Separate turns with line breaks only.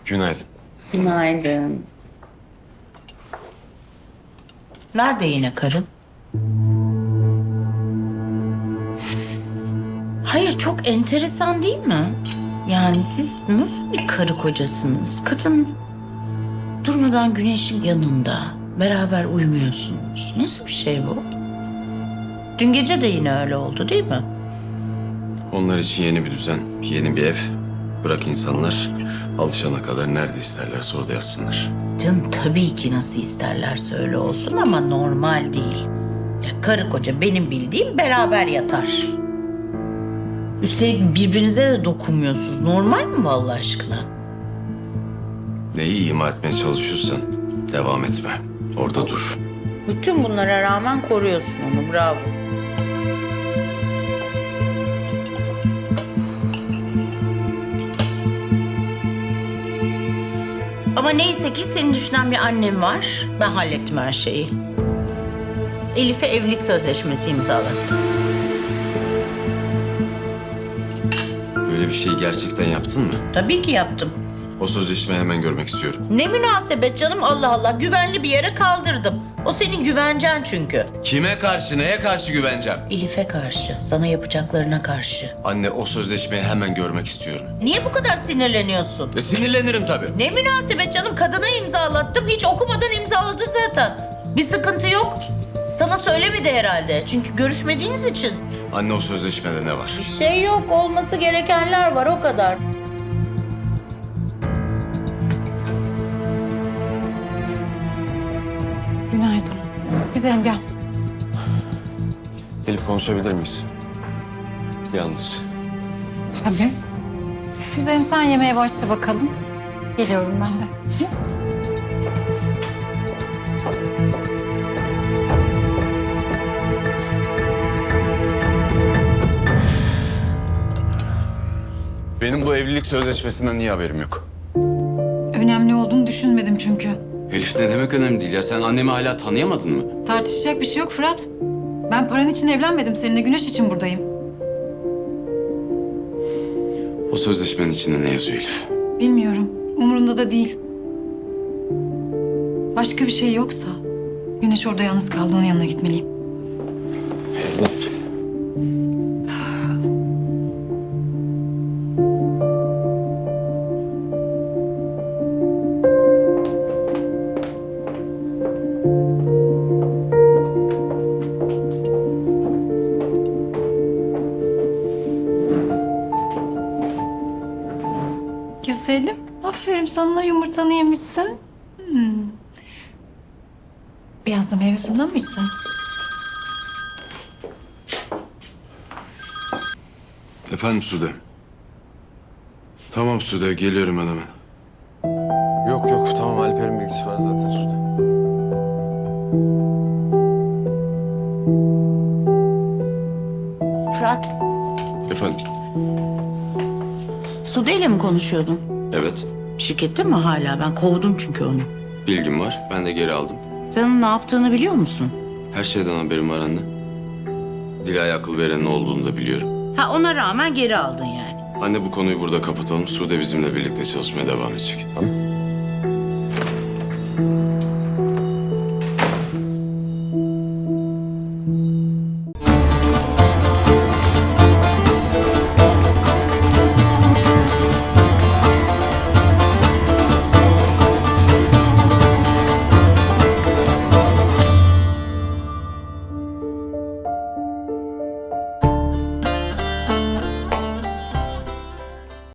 Günaydın.
Günaydın. Nerede yine karın? Hayır, çok enteresan değil mi? Yani siz nasıl bir karı kocasınız? Kadın durmadan güneşin yanında beraber uyumuyorsunuz. Nasıl bir şey bu? Dün gece de yine öyle oldu değil mi?
Onlar için yeni bir düzen, yeni bir ev. Bırak insanlar alışana kadar nerede isterlerse orada yatsınlar.
Canım tabii ki nasıl isterlerse öyle olsun ama normal değil. Ya karı koca benim bildiğim beraber yatar. Üstelik birbirinize de dokunmuyorsunuz. Normal mi Allah aşkına?
Neyi ima etmeye çalışıyorsan devam etme. Orada dur.
Bütün bunlara rağmen koruyorsun onu. Bravo. Ama neyse ki seni düşünen bir annem var. Ben hallettim her şeyi. Elif'e evlilik sözleşmesi imzaladım.
Böyle bir şeyi gerçekten yaptın mı?
Tabii ki yaptım.
O sözleşmeyi hemen görmek istiyorum.
Ne münasebet canım, Allah Allah, güvenli bir yere kaldırdım. O senin güvencen çünkü.
Kime karşı, neye karşı güveneceğim?
Elif'e karşı, sana yapacaklarına karşı.
Anne, o sözleşmeyi hemen görmek istiyorum.
Niye bu kadar sinirleniyorsun?
Sinirlenirim tabii.
Ne münasebet canım, kadına imzalattım, hiç okumadan imzaladı zaten. Bir sıkıntı yok. Sana söylemedi herhalde çünkü görüşmediğiniz için.
Anne, o sözleşmede ne var?
Bir şey yok, olması gerekenler var, o kadar.
Günaydın. Güzelim gel.
Elif, konuşabilir miyiz? Yalnız.
Tabii. Güzelim sen yemeğe başla bakalım. Geliyorum ben de. Hı?
Benim bu evlilik sözleşmesinden niye haberim yok?
Önemli olduğunu düşünmedim çünkü.
Elif, ne demek önemli değil ya? Sen annemi hala tanıyamadın mı?
Tartışacak bir şey yok Fırat. Ben paran için evlenmedim. Seninle Güneş için buradayım.
O sözleşmenin içinde ne yazıyor Elif?
Bilmiyorum. Umurumda da değil. Başka bir şey yoksa Güneş orada yalnız kaldı. Onun yanına gitmeliyim. Güzelim. Aferin sana, yumurtanı yemişsin. Biraz da meyve suyundan mı içsen?
Efendim Sude. Tamam Sude, geliyorum ben hemen. Yok yok, tamam, Alper'in bilgisi var zaten Sude.
Fırat,
Efendim?
Sude ile mi konuşuyordun?
Evet,
Şirkette mi hala? Ben kovdum çünkü onu.
bilgim var. Ben de geri aldım.
Sen onun ne yaptığını biliyor musun?
Her şeyden haberim var anne. Dila'ya akıl verenin olduğunu da biliyorum.
Ha, ona rağmen geri aldın yani.
Anne, bu konuyu burada kapatalım. Sude bizimle birlikte çalışmaya devam edecek. Tamam.